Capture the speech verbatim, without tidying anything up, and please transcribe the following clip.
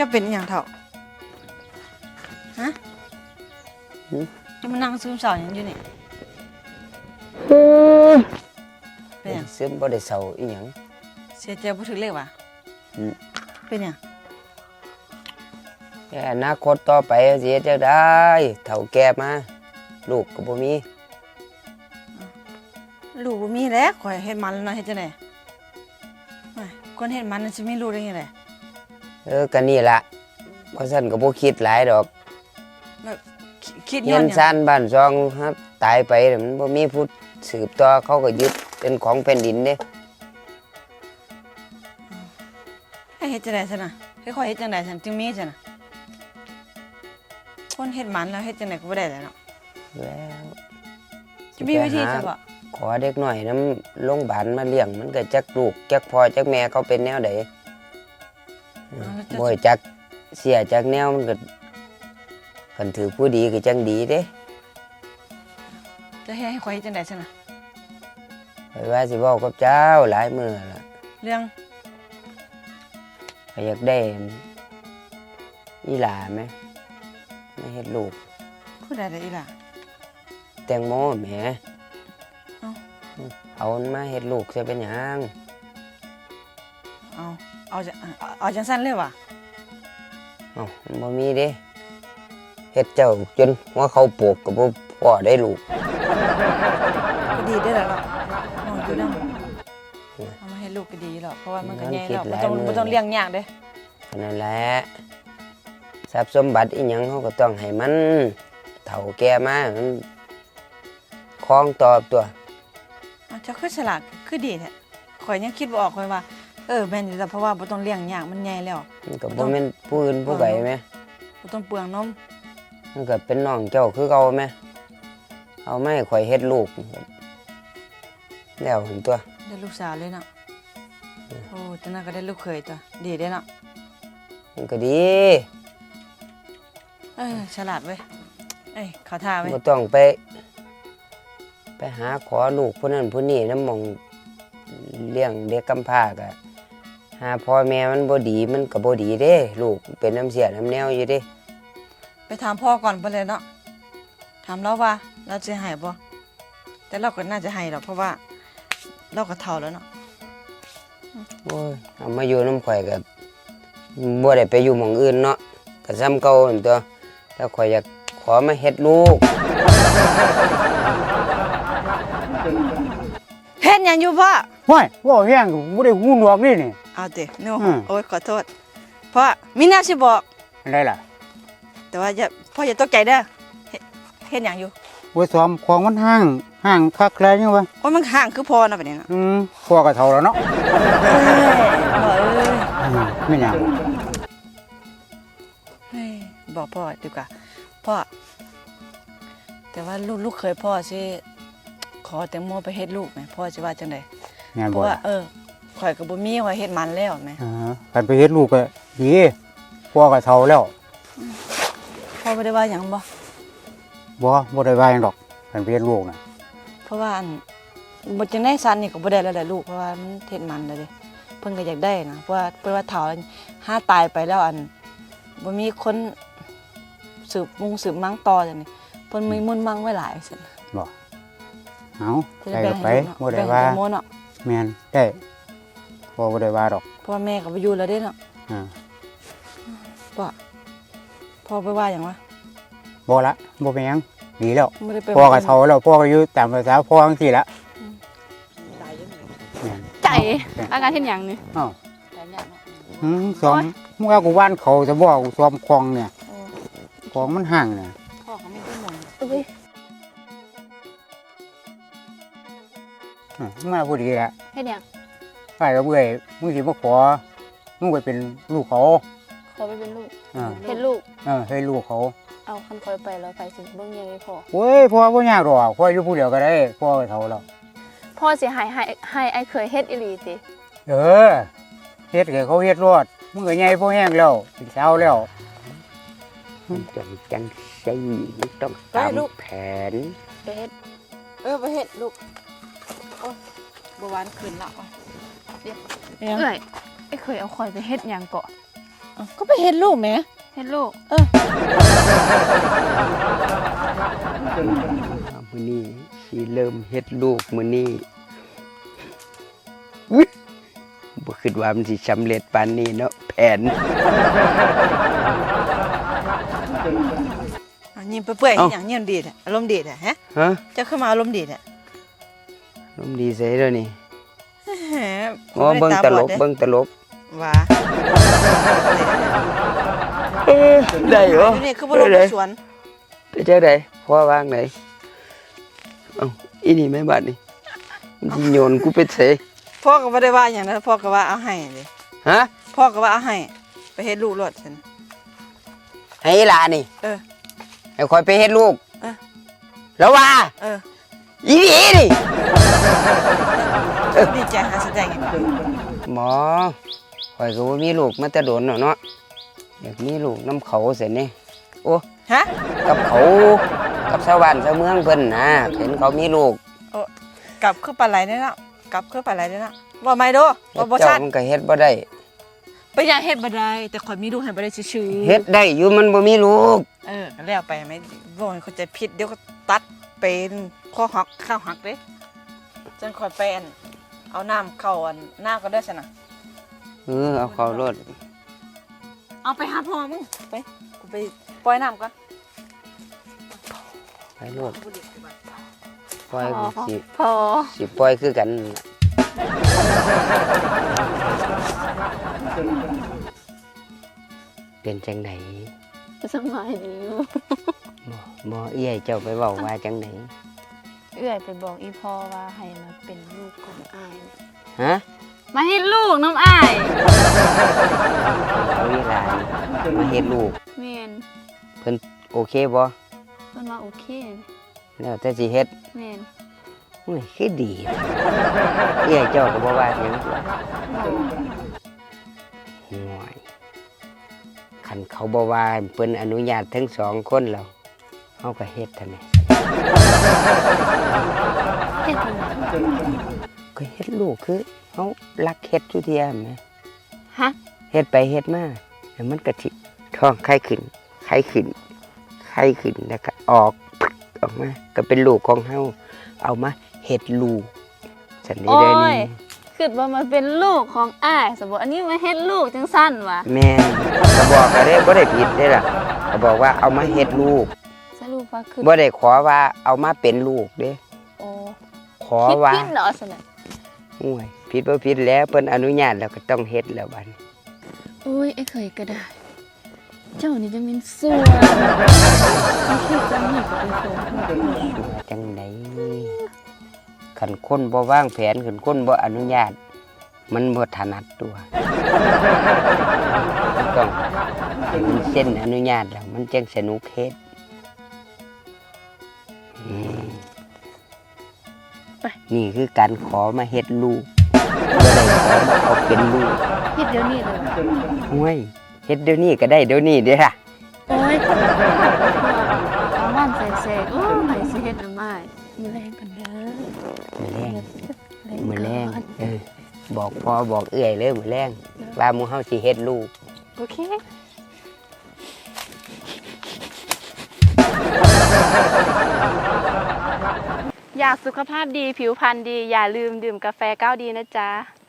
เป็นอย่างเถ่าฮะจะมานั่งซึมเศร้าอย่างอยู่นี่เป็นอย่างซึมบ่ได้เศร้าอีหยังเสียใจบ่ถึงเลยวะเป็นอย่างแค่อนาคตต่อไปสิเฮ็ดจังได๋เฒ่าแก่มาลูกก็บ่มีลูกบ่มีแล้วข่อยเฮ็ดมันแล้วเนาะเฮ็ดจังได๋คนเฮ็ดมันสิมีลูกได้ยังไงเออก็นี่ล่ะบ่ซั่นก็บ่คิดหลายดอกคิดย้เฮียนซ่านบ้านซองครับตายไปมันบ่มีผู้สืบต่อเขาก็ยึดเป็นของแผ่นดินเด้ให้เฮ็ดจังได๋ซั่นน่ะให้ข่อยเฮ็ดจังได๋ซั่นจึงมีซั่นน่ะคนเฮ็ดมันแล้วเฮ็ดจังได๋ก็บ่ได้แล้วเนาะแล้วจะมีวิธีจังบ่ขอเด็กน้อยนำโรงบาลมาเลี้ยงมันก็จักลูกจักพ่อจักแม่เขาเป็นแนวใดบ่จักเสียจักแนวมันก็คันถือผู้ดีก็จังดีเด้จะให้ให้ข่อยเฮ็ดจังได๋ซั่นน่ะข้อยว่าสิเว้ากับเจ้าหลายมื้อล่ะเรื่องข้อยอยากได้อีหลาแม่มาเฮ็ดลูกผู้ใดได้อีหล่ะแตงโมแหมเอ้าเอามันมาเฮ็ดลูกสิเป็นหยังเอาเอาจังเอาจังซั่นเลยวะเอ้ามันบ่มีเด้เฮ็ดเจ้าจนหัวเขาโปกก็บ่พอได้ลูกก็ดีได้แล้วเนาะนอนอยู่นำเอามาให้ลูกก็ดีแล้วเพราะว่ามันก็ใหญ่แล้วบ่ต้องบ่ต้องเลี้ยงยากเด้นั่นแหละทรัพย์สมบัติอีหยังเฮาก็ต้องให้มันเฒ่าแก่มามันคล้องตอบตัวอ้าวเจ้าคือฉลาดคือดีแท้ข่อยยังคิดบ่ออกข่อยว่าเออแม่นอยู่แล้วเพราะว่าบ่ต้องเลี้ยงยากมันใหญ่แล้วมันก็บ่แม่นผู้อื่นผู้ใดแม่บ่ต้องเปลืองนมมันก็เป็นน้องเจ้าคือเก่าแม่เอามาให้ข่อยเฮ็ดลูกแล้วหั่นตัวได้ลูกสาวเลยเนาะโอ้จังนั้นก็ได้ลูกเขยตัวดีเด้เนาะมันก็ดีเอ้ยฉลาดเว้ยเอ้ยเขาท่าเว้ยบ่ต้องไปไปหาขอลูกผู้นั้นผู้นี้นำหม่องเลี้ยงเด็กกำพร้าก็หาพ่อแม่มันบ่ดีมันก็บ่ดีเด้ลูกเป็นน้ำเสียน้ำแนวอยู่เด้ไปถามพ่อก่อนไปเลยเนาะถามเราว่าเราจะให้บ่แต่เราก็น่าจะให้หรอกเพราะว่าเราก็เฒ่าแล้วเนาะโอ้ยเอามาอยู่น้ำข่อยก็บ่ได้ไปอยู่หม้องอื่นเนาะก็ซ้ำเก่าหั่นตัวแล้วข่อยอยากขอมาเฮ็ดลูกเฮ็ดหยังอยู่พ่อห้วยว่าแห้งบ่ได้หูหนวกนี่นี่เอาติโน้โอ้ยขอโทษพ่อมีแนวสิบอกอะไรล่ะแต่ว่าอย่าพ่ออย่าตกใจเด้อเฮ็ดหยังอยู่บ่ซ้อมของมันห่างห่างคักแลยังวะโอ้ยมันห่างคือพ่อเนาะบัดนี้เนาะอืมพ่อก็เฒ่าแล้วเนาะเอ้ยพ่อเอ้ยไม่หยังเฮ้ยบอกพ่อดีกว่าพ่อแต่ว่าลูกลูกเคยพ่อสิขอแตงโมไปเฮ็ดลูกไหมพ่อสิว่าจังได๋เพราะว่าเออข่อยก็บ่มีข่อยเฮ็ดมันแล้วแม่อ่าคันไปเฮ็ดลูกก็ดีพ่อก็เฒ่าแล้วพ่อบ่ได้ว่าหยังบ่บ่บ่ได้ว่าหยังดอกคันไปเฮ็ดลูกน่ะเพราะว่าอันบ่จังได๋ซันนี่ก็บ่ได้แล้วแหละลูกเพราะว่ามันเฮ็ดมันแล้วเด้เพิ่นก็อยากได้นะเพราะว่าเพิ่นว่าเฒ่าแล้วถ้าตายไปแล้วอันบ่มีคนสืบมุงสืบมังต่อจังนี่เพิ่นมีมุ่นมั่งไว้หลายซั่นบ่เอาได้ไปบ่ได้ว่าแม่นได้พ่อบ่ได้ว่าดอกเพราะแม่ก็บ่อยู่แล้วเด้เนาะอ่าพ่อพ่อไปว่าหยังวะบ่ละบ่เป็นหยังดีแล้วพ่อก็เฒ่าแล้วพ่อก็อยู่ตามภาษาพ่อจังซี่ละใจอาการเฮ็ดหยังนี่อ้าวอืมซ้อมมึงเอากูว่านเขาจะบ่กูซ้อมคลองเนี่ยของมันห่างเนี่ยพ่อเขาไม่ได้หมดเอ้ยอืมมาพอดีละเฮ็ดหยังไปกับเบื่อมึงสิมาขอมึงไปเป็นลูกเขาขอไปเป็นลูกเฮ็ดลูกเออให้ลูกเขาเอาคันคอยไปแล้วไปสิเบิ่งยังไงพ่อโอ้ยพ่อบ่ยากดอกพ่ออยู่ผู้เดียวก็ได้พ่อเฒ่าแล้วพ่อสิให้ให้ให้ไอ้เคยเฮ็ดอีหลีติเออเฮ็ดให้เขาเฮ็ดรอดมึงก็ใหญ่พอแห้งแล้วเป็นสาวแล้วจังจังซี่ต้องตามแผนไปเฮ็ดเออไปเฮ็ดลูกโอ้ยบ่หวานขึ้นละเดี๋ยวเอ้ยไอ้เคยเอาคอยไปเฮ็ดหยังเกาะเอ้าวก็ไปเฮ็ดลูกแหมเฮ็ดลูกเออมื้อนี้สิเริ่มเฮ็ดลูกมื้อนี้อุ๊ยบ่คิดว่ามันสิสำเร็จปานนี้เนาะแผนเอายิ้มเปื่อยๆเอ้าเฮ็ดหยังยิ้มดีแท้อารมณ์ดีแท้ฮะฮะเจ้าขึ้นมาอารมณ์ดีแท้ลมณ์ดีใส่เด้อนี่แหมอ๋อเบิ่งตลกบ่ได้าบอดเบิ่งตลกเด้ว่าเอ้ยได้เหรออยู่นี่คือบ่ลงไปสวนไปจังได๋พ่อวางไหนเอ้าอีนี่แม่บ้านนี่มันสิโยนกูไปไสพ่อก็บ่ได้ว่าหยังนะพ่อก็ว่าเอาให้เด้ฮะพ่อก็ว่าเอาให้ไปเฮ็ดลูกรถซั่นให้อีหลานี่เออให้คอยไปเฮ็ดลูกเออแล้วว่าเอออีนี่นี่ดีใจหาแสดงอีกหมอข่อยก็บ่มีลูกมาแต่โดนแล้วเนาะอยากมีลูกน้ำเขาเสียนี่โอ้ฮะกับเขากับชาวบ้านชาวเมืองเพิ่นนะเห็นเขามีลูกโอ้กลับคือปลาไหลได้แล้วกลับคือปลาไหลได้แล้วบ่ไม่โดบ่บ่เจ้าชัดมันก็เฮ็ดบ่ได้ไปอยากเฮ็ดบ่ได้แต่ข่อยมีลูกให้บ่ได้ซื่อๆเฮ็ดได้อยู่มันบ่มีลูกเออก็แล้วไปไหมบ่ให้เขาใจผิดเดี๋ยวก็ตัดเป็นข้อหักข้าวหักเด้จนข่อยไปอันเอาน้ำเข้าอันหน้าก็ได้ซั่นน่ะเออเอาเขารถเอาไปหาพ่อมึงไปกูไปปล่อยน้ำก่อนไปรถปล่อยกูสิพอสิปล่อยคือกันเป็นจังไดสบายดีอยู่บ่บ่เอี้ยเจ้าไปเว้าว่าจังไดเอื้อยไปบอกอีพ่อว่าให้มาเป็นลูกของอ้ายฮะมาเฮ็ดลูกน้ำอ้ายเอาอีหลานมาเฮ็ดลูกแม่นเพิ่นโอเคบ่เพิ่นว่าโอเคแล้วแต่สิเฮ็ดแม่นโอ้ยคือดีเอี้ยเจ้าก็บ่ว่าหยังตัวห่วยคันเขาบ่ว่าเพิ่นอนุญาตทั้งสองคนแล้วเฮาก็เฮ็ดเท่านั้นเฮ็ดจังได๋ก็เฮ็ดลูกคือเฮารักเฮ็ดทุเทียแหมฮะเฮ็ดไปเฮ็ดมาแล้วมันก็สิท้องไข่ขึ้นไข่ขึ้นไข่ขึ้นแล้วก็ออกปึ๊กออกมาก็เป็นลูกของเฮาเอามาเฮ็ดลูกสันนี้โอ้ได้นี่ยคิดว่ามันเป็นลูกของอ้ายสมมุติอันนี้มาเฮ็ดลูกจังซั่นวะแม่นก็บอกก็ได้บ่ได้ผิดเด้ล่ะก็บอกว่าเอามาเฮ็ดลูกสรุปว่าคือบ่ได้ขอว่าเอามาเป็นลูกเด้โอ้ขอคิดว่าผิดเหรอซั่นน่ะโอ้ยผิดบ่ผิดแล้วเพิ่นอนุญาตแล้วก็ต้องเฮ็ดแล้วบัดนี้โอ้ยไอ้เคยก็ได้ เจ้านี่จะเป็นสัวมันคิดจังนี่ก็เป็นคนว่าจังไดคันคนบ่วางแผนคันคนบ่อนุญาต มันบ่ถนัดตัวมันต้องให้มันเส้นอนุญาตแล้วมันจังสนุกเฮ็ดอืมนี่คือการขอมาเฮ็ดลูกบ่ได้ขอมาเอาเป็นลูกคิดเดี๋ยวนี้เลยห้วยเฮ็ดเดี๋ยวนี้ก็ได้เดี๋ยวนี้เด้อล่ะโอ้ยเอาบ้านแสกๆโอ้ยสิเฮ็ดน้ำอ้ายมีแรงกันเด้อมื้อแรงแรงมื้อแรงก่นเออบอกพ่อบอกเอื้อยเลยมื้อแรงว่าหมู่เฮาสิเฮ็ดลูกโอเค อยากสุขภาพดีผิวพรรณดี อย่าลืมดื่มกาแฟก้าวดีนะจ๊ะ